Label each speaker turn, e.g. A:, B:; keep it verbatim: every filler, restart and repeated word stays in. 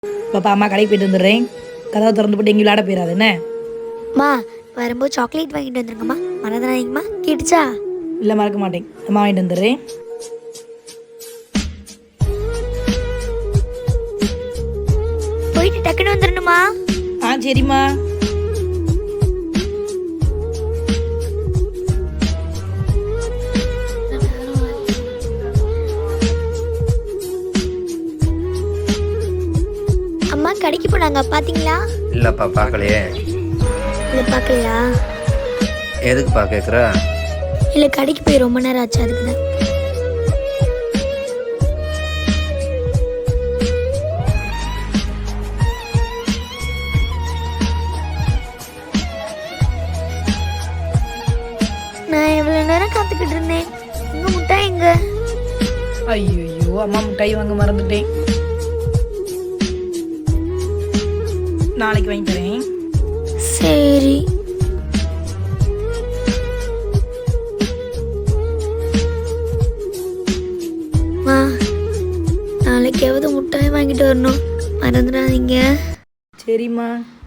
A: பாப்பா அம்மா கடைக்கு போயிட்டு வந்துடுறேன். கதவை திறந்து போட்டு எங்கேயும் விளையாட போயிடாது என்ன?
B: அம்மா வரும்போது சாக்லேட் வாங்கிட்டு வந்துருங்கம்மா, மறந்துடாதீங்கம்மா. கேட்டுச்சா?
A: இல்லை மறக்க மாட்டேன். அம்மா வாங்கிட்டு வந்துடுறேன்.
B: போயிட்டு டக்குன்னு வந்துடணுமா?
A: ஆ சரிம்மா.
B: அம்மா கடைக்கு போனாங்க பாத்தீங்களா?
C: இல்லைப்பா பார்க்கலையே.
B: இல்லை பார்க்கலையா?
C: எதுக்குப்பா கேட்குற?
B: இல்லை கடைக்கு போய் ரொம்ப நேரம் ஆச்சு, அதுக்கு தான். நான் எவ்வளோ நேரம் காத்துக்கிட்டு இருந்தேன். உங்க முட்டாய் எங்க?
A: ஐயோ அம்மா மிட்டாய் வாங்க மறந்துட்டேன். நாளைக்கு வாங்கி தரேன்.
B: சரி. மா நாளைக்காவது முட்டாய் வாங்கிட்டு வரணும், மறந்துடாதீங்க.
A: சரிம்மா.